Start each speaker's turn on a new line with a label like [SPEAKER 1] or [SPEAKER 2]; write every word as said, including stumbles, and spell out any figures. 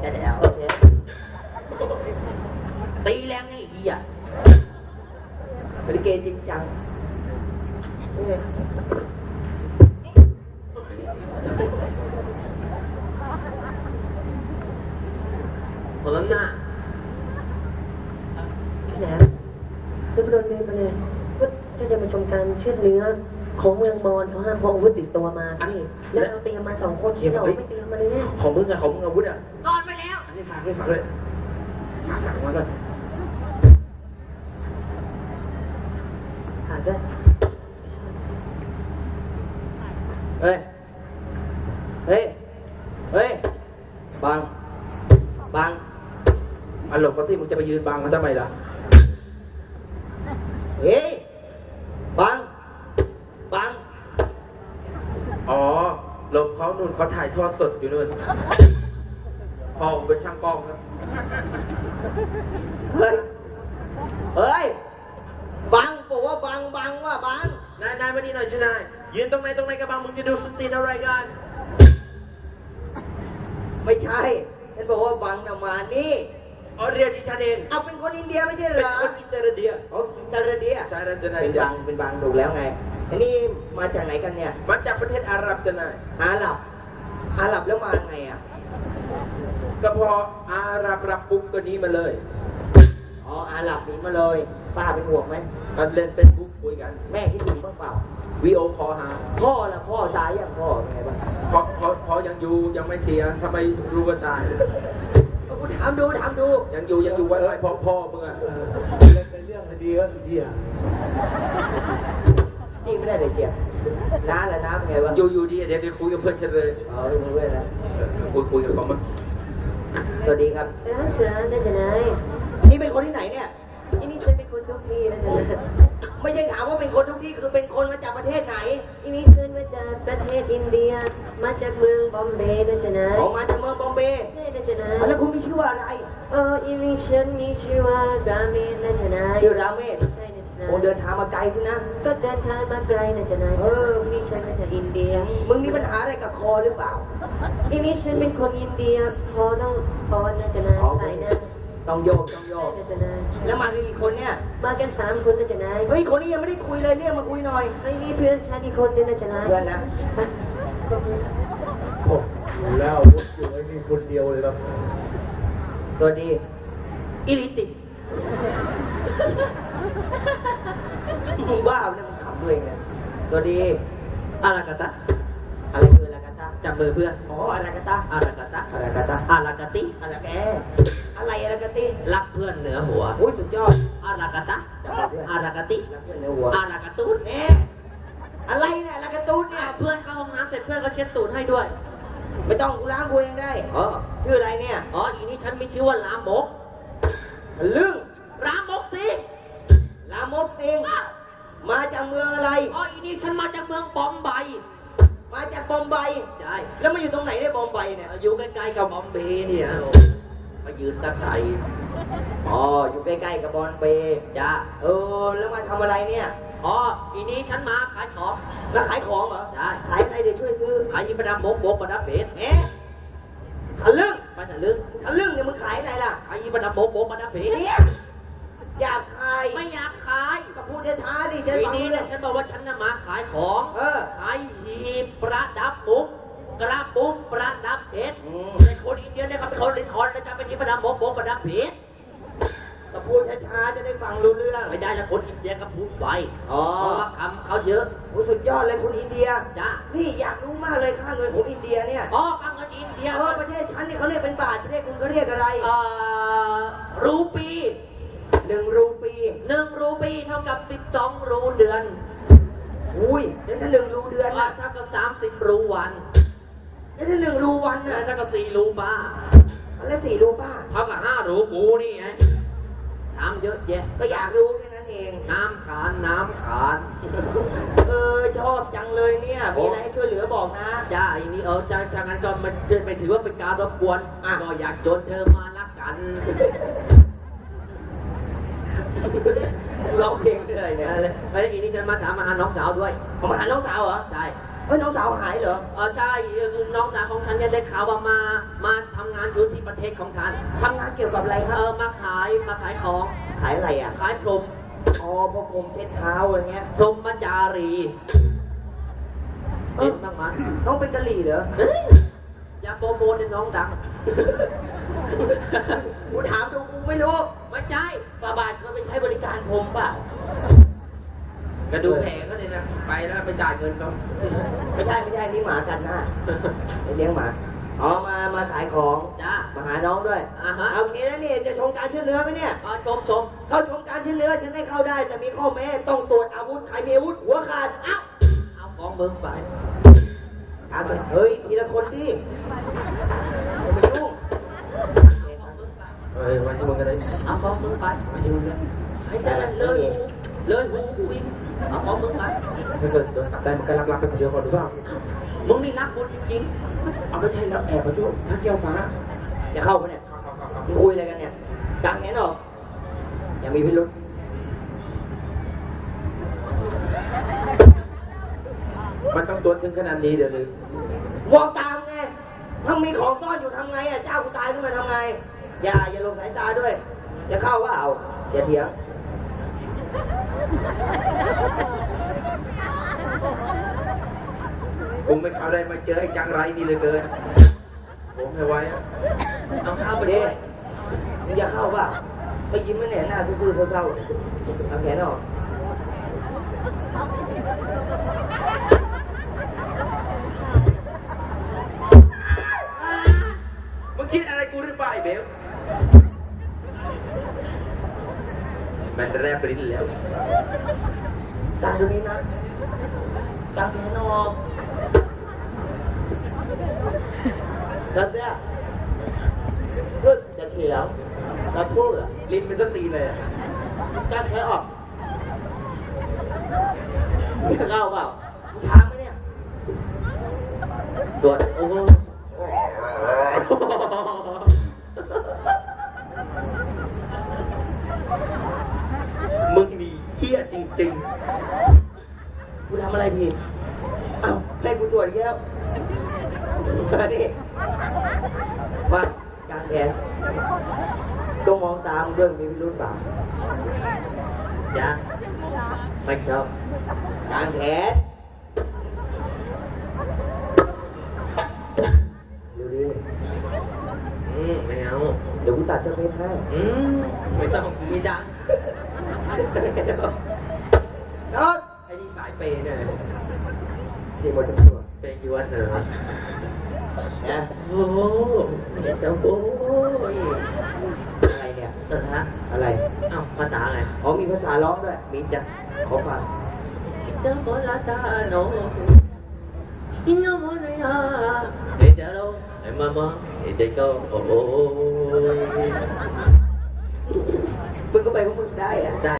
[SPEAKER 1] แต่แล้วตีแรงนี่อีอ่ะบริเกจริงจังคนละหน้า
[SPEAKER 2] พี่แหลมเดี๋ยวพระดลเมย์มาเลยว่าถ้าจะมาชมการเชือดเนื้อของเมืองมอญเขาห้ามพกอาวุธติดตัวมาพี่แล้วเราเตรียมมาสองคนที่เราไม่เตรียมมาเลยเนี่ย
[SPEAKER 3] ของมึงอะของมึงอาวุธอะ
[SPEAKER 1] นอนไปแล้ว
[SPEAKER 3] อันนี้ฝากด้วยฝากด้วยฝากฝากมาก่อน
[SPEAKER 2] ผ่านด้วย
[SPEAKER 3] เฮ้ยเฮ้ยเฮ้ยบังบังอันหลบก็สิมึงจะไปยืนบังมันทำไมล่ะเฮ้ยบังบังอ๋อหลบเขานู่นเขาถ่ายทอดสดอยู่นู่นพ่อผมเป็นช่างกล้องนะเฮ้ยเฮ้ยบังบอกว่าบังบังว่าบังนายนายมานี่หน่อยชินายยืนตรงไหนตรงไหนกับบังมึงจะดูสตรีนอะไรกันไม่ใช่ฉันบอกว่าบังน่ะมานี่อ๋อเรียกดิฉันเองเอาเป็นคนอินเดียไม่ใช่เหรอเป็นคนอินเตอร์เดียอ๋ออินเตอร์เดียใช่แล้วจะนายเป็นบังเป็นบังถูกแล้วไงอันนี้มาจากไหนกันเนี่ยมาจากประเทศอาหรับจะนายอาหรับอาหรับแล้วมาไงอ่ะก็พออาหรับรับปุ๊บก็นี้มาเลยอ๋ออาหรับนี้มาเลยป้าเป็นห่วงไหมมันเล่นเฟซบุ๊กคุยกันแม่คิดถึงบ้างเปล่าวีโอคอลหาพ่อละพ่อตายยังพ่อไงบ้างพ่อพ่อพ่อยังอยู่ยังไม่เสียทำไมรู้ว่าตายก็กูถามดูถามดูยังอยู่ยังอยู่ไว้ไว้พ่อพ่อมึงอะเป็นเรื่องคดีก็ดีอ่ะนี่ไม่ได้เลยเจียน้าละน้าเป็นไงวะอยู่อยู่ดีเดี๋ยวเดี๋ยวคุยกับเพื่อนฉันเลยอ๋อเรื่องเพื่อนนะคุยคุยกับเขามั้งสวัสดีครับ
[SPEAKER 2] เสือเสือน่าจะนาย
[SPEAKER 3] นี่เป็นคนที่ไหนเนี่ย
[SPEAKER 2] ที่นี่ฉันเป็นคนทุกที่นะจ๊ะ
[SPEAKER 3] ไม่ใช่ถามว่าเป็นคนทุกที่คือเป็นคนมาจากประเทศไหน
[SPEAKER 2] ที่นี่ฉันมาจากประเทศอินเดียมาจากเมืองบอมเบย์นะจ๊ะนาย
[SPEAKER 3] ออกมาจากเมืองบอมเบย์
[SPEAKER 2] ใช่นะจ๊ะนาย
[SPEAKER 3] แล้วคุณมีชื่อว่าอะไร
[SPEAKER 2] เออที่นี่ฉันมีชื่อว่าราเมศนะจ๊ะนาย
[SPEAKER 3] ชื่อราเมศ
[SPEAKER 2] ใช่นะจ๊ะนาย
[SPEAKER 3] โอ้เดินทางมาไกลสินะ
[SPEAKER 2] ก็เดินทางมาไกลนะจ๊ะนายเออที่นี่ฉันมาจากอินเดีย
[SPEAKER 3] มึงมีปัญหาอะไรกับคอหรือเปล่า
[SPEAKER 2] ที่นี่ฉันเป็นคนอินเดียคอต้องคอนะจ๊ะนายใส่นะ
[SPEAKER 3] ต้องโยกต้องโยกแล้วมากี่คนเนี่ย
[SPEAKER 2] มากันสามคนนะจ๊ะนาย
[SPEAKER 3] เฮ้ยคนนี้ยังไม่ได้คุยเลยเรียกมาคุยหน่อย
[SPEAKER 2] ไอ้นี่เพื่อนฉันอีกคนนึงนะจ๊ะนาย
[SPEAKER 3] เพื่อนนะโอ้แล้วอยู่ไอ้นี่คนเดียวเลยครับสวัสดี
[SPEAKER 1] อิลิติ
[SPEAKER 3] มึงบ้าเนี่ยมึงขำตัวเองเนี่ยสวัสดี
[SPEAKER 1] อารากาตะ
[SPEAKER 3] อะไรคืออารากาตะ
[SPEAKER 1] จับมือเพื่อน
[SPEAKER 3] อ๋ออารากาตะ
[SPEAKER 1] อารากาตะ
[SPEAKER 3] อารากาตะ
[SPEAKER 1] อารากาติ
[SPEAKER 3] อารากาอะไรอารากาติ
[SPEAKER 1] รักเพื่อนเหนือหัว
[SPEAKER 3] โอ้ยสุดยอด
[SPEAKER 1] อารากาตะอารากาติ
[SPEAKER 3] รักเพื่อนเหนือหัว
[SPEAKER 1] อารากาตูด
[SPEAKER 3] เอ๊ะอะไรเนี่ยอารากาตูดเนี่ย
[SPEAKER 1] เพื่อนเข้าห้องน้ำเสร็จเพื่อนก็เช็ดตูดให้ด้วย
[SPEAKER 3] ไม่ต้องกูล้างกูเองได้
[SPEAKER 1] อ๋อ
[SPEAKER 3] ชื่ออะไรเนี่ย
[SPEAKER 1] อ๋ออีนี้ฉันมีชื่อว่าลามก
[SPEAKER 3] เรื่อง
[SPEAKER 1] ลามกสิ
[SPEAKER 3] ลามกสิงมาจากเมืองอะไร
[SPEAKER 1] อ๋ออีนี้ฉันมาจากเมืองบอมไบ
[SPEAKER 3] มาจากบอมไบ
[SPEAKER 1] ใช่
[SPEAKER 3] แล้วมาอยู่ตรงไหนได้บอมไบเนี่ย
[SPEAKER 1] อยู่ใกล้ๆกับบอมเบย์เนี่ยมายืนตะไคร่
[SPEAKER 3] อ๋ออยู่ใกล้ๆกับบอมเบย์
[SPEAKER 1] จ้า
[SPEAKER 3] เออแล้วมาทำอะไรเนี่ย
[SPEAKER 1] อ๋ออีนี้ฉันมาขายของ
[SPEAKER 3] แล้วขายของเหรอ
[SPEAKER 1] ใช่
[SPEAKER 3] ขายอะไรเดี๋ยวช่วยซื้อ
[SPEAKER 1] ขายยิบประดับมกมกประดับเบส
[SPEAKER 3] เอ๊ะทะลึ่ง
[SPEAKER 1] มาทะลึ่ง
[SPEAKER 3] ทะลึ่งเนี่ยมึงขายอะไรล่ะ
[SPEAKER 1] ขายยิบประดับมกมกประดับเบส
[SPEAKER 3] เนี่ยอยากขาย
[SPEAKER 1] ไม่อยากขาย
[SPEAKER 3] ก็พูดช้าๆดิจะ
[SPEAKER 1] ฟังนี้เนี่ยฉันบอกว่าฉันน่ะมาขายของ
[SPEAKER 3] เออ
[SPEAKER 1] ขายหีบประดับมุกกระปุกประดับเพชรในคนอินเดียเนี่ยเขาเป็นคนลิ้นอ่อนแล้วจะเป็นหีบประดับมกมกประดับเพชร
[SPEAKER 3] ก็พูดช้าๆจะได้ฟังรู้เรื่อง
[SPEAKER 1] ไม่ได้แล้วคนอินเดียก็พูดไว
[SPEAKER 3] อ๋อ
[SPEAKER 1] เพราะว่าคำเขาเยอะ
[SPEAKER 3] โอ้สุดยอดเลยคนอินเดีย
[SPEAKER 1] จ้า
[SPEAKER 3] นี่อยากรู้มากเลยค่าเงินของอินเดียเนี่ย
[SPEAKER 1] อ๋อค่าเงินอินเดีย
[SPEAKER 3] เออประเทศฉันนี่เขาเรียกเป็นบาทประเทศคุณเขาเรียกอะไร
[SPEAKER 1] เอ่อรูปี
[SPEAKER 3] หนึ่งรูปี
[SPEAKER 1] หนึ่งรูปีเท่ากับสิบสองรูเดือน
[SPEAKER 3] อุ้ยแล้วถ้าหนึ่งรูเดือน
[SPEAKER 1] นะเท่ากับสามสิบรูวัน
[SPEAKER 3] แล้วถ้าหนึ่งรูวันนะ
[SPEAKER 1] เท่ากับสี่รูป้า
[SPEAKER 3] แล้วสี่รูป้า
[SPEAKER 1] เท่ากับห้ารูกูนี่ไงน้ำเยอะแยะ
[SPEAKER 3] ก็อยากรู้แค่นั้นเอง
[SPEAKER 1] น้ำขานน้ำขาน
[SPEAKER 3] เออชอบจังเลยเนี่ยมีอะไรให้ช่วยเหลือบอกนะ
[SPEAKER 1] จ้าอันนี้เออจ้าทางนั้นก็มันจะไปถือว่าเป็นการรบกวนก็อยากจนเธอมารักกัน
[SPEAKER 3] ร้องเพลงอะไรเนี่ย
[SPEAKER 1] แล้วทีนี้ฉันมาถามมาหาน้องสาวด้วย
[SPEAKER 3] มาหาน้องสาวเหรอ
[SPEAKER 1] ใช่
[SPEAKER 3] เอ้ยน้องสาวหายเหรอ
[SPEAKER 1] เออใช่น้องสาวของฉันเนี่ยได้ข่าวว่ามามาทำงานอยู่ที่ประเทศของฉัน
[SPEAKER 3] ทำงานเกี่ยวกับอะไรครั
[SPEAKER 1] เอบ อมาขายมาขายของ
[SPEAKER 3] ขายอะไรอ่ะ
[SPEAKER 1] ขายพรม
[SPEAKER 3] อ๋อพวกผมเช็ดเท้าอะไรเงี้ย
[SPEAKER 1] พรหมจารีเห็นบ้างมั้ย
[SPEAKER 3] น้องเป็นกะหรี่เหรอ
[SPEAKER 1] เฮ้ยอย่าโปรโมทให้น้องดัง
[SPEAKER 3] กูถามดูกูไม่รู้
[SPEAKER 1] ไม่ใช่
[SPEAKER 3] ป้าบาทเคยไปใช้บริการผมเปล่า
[SPEAKER 1] กระดูกแผลก็เลยนะไปแล้วไปจ่ายเงินเขา
[SPEAKER 3] ไม่ใช่ไม่ใช่นี่หมากันหน้าไปเลี้ยงหมาอ๋อมามาขายของ
[SPEAKER 1] จ้า
[SPEAKER 3] มาหาน้องด้วย
[SPEAKER 1] อ่าฮะ
[SPEAKER 3] เอางี้นะนี่จะชมการเชื่อเนื้อไหมเนี่ย
[SPEAKER 1] อ๋อชมชม
[SPEAKER 3] เข้าชมการเชื่อเนื้อฉันให้เข้าได้แต่มีข้อแม้ต้องตรวจอาวุธใครมีอาวุธหัวขาดเอ้า
[SPEAKER 1] เอาของมึงไป
[SPEAKER 3] ถามไปเฮ้ยทีละคนดิอย่าไปยุ่ง
[SPEAKER 1] เฮ้ยวันที่มึงกันเลยเอาของมึงไปวันที่มึงกันใช้แต่เลยเลยหูกูอีกเอาของมึงไป
[SPEAKER 4] ถ้าเกิดโดนจับได้มันก็รับๆไปคนเดียวก่อนหรือเปล่า
[SPEAKER 1] มึงนี่รักกูจริง
[SPEAKER 4] เอาไม่ใช่แล้วแอบมาช่วยทักแก้วฟ้า
[SPEAKER 3] อย่าเข้ามาเนี่ยมึงคุยอะไรกันเนี่ยกางแขนออกอย่ามีพิรุษ
[SPEAKER 4] มันต้องตัวถึงขนาดนี้เดี๋ยวนึง
[SPEAKER 3] มองตามไงถ้ามีของซ่อนอยู่ทำไงอ่ะเจ้ากูตายขึ้นมาทำไงอย่าอย่าลงสายตาด้วยอย่าเข้าว่าเอาอย่าเถียง
[SPEAKER 4] ผมไม่เข้าได้มาเจอไอ้จังไรนี่เลยเกินผมไม่ไหวอ่ะ
[SPEAKER 1] ๆเอาข้าว
[SPEAKER 3] เข้า
[SPEAKER 1] ไป
[SPEAKER 3] ไป
[SPEAKER 1] ดิ
[SPEAKER 3] ดิมึงอย่าเข้าว่าไปยิ้มไม่แน่หน้าซื่อๆเศร้าๆเอาแขนออก
[SPEAKER 4] มึงคิดอะไรกูหรือเปล่าไอ้เบลมันแรบลิ้นแล้ว
[SPEAKER 3] กางตรงนี้นะกางแขนออกแล้วเนี่ยพูดจะเถียงแล้วพูดอ่ะ
[SPEAKER 1] ลิ้นเป็นต้นตีเลยอะ
[SPEAKER 3] กางแขนออกมึงจะเข้าเปล่ามึงถามไหมเนี่ย
[SPEAKER 1] ตรวจโอ้โห
[SPEAKER 4] มึงนี่เหี้ยจริง
[SPEAKER 3] กูทำอะไรผิดเอ้าให้กูตรวจอีกแล้วมาดิมากางแขนต้องมองตามด้วยมีพิรุธเปล่า
[SPEAKER 1] จ้าไม่ชอบ
[SPEAKER 3] กางแขนดูดิ
[SPEAKER 1] อืมไม่เอา
[SPEAKER 3] เดี๋ยวกูตัดสเปซให้
[SPEAKER 1] อืมไม่ต้องมีดัง
[SPEAKER 3] น้อง
[SPEAKER 1] ไอ้นี่สายเปย์เนี่ย
[SPEAKER 3] ดีหมดทั้งตัว
[SPEAKER 1] เปย์ยวนเหรอ
[SPEAKER 3] นะ
[SPEAKER 1] โอ้โหเจ้าโอ้ย
[SPEAKER 3] อะไรเนี่ย
[SPEAKER 1] เออฮะ
[SPEAKER 3] อะไร
[SPEAKER 1] เอ้าภาษาอะไร
[SPEAKER 3] อ๋อมีภาษาร้องด้วย
[SPEAKER 1] มีจ้ะ
[SPEAKER 3] ขอฟัง
[SPEAKER 1] เจ้าโบราณตาโนอินโนโมเนียเดจาโรเอมามาเอเจโกโอ้ย
[SPEAKER 3] มึงก็ไปพวกมึงได้อะ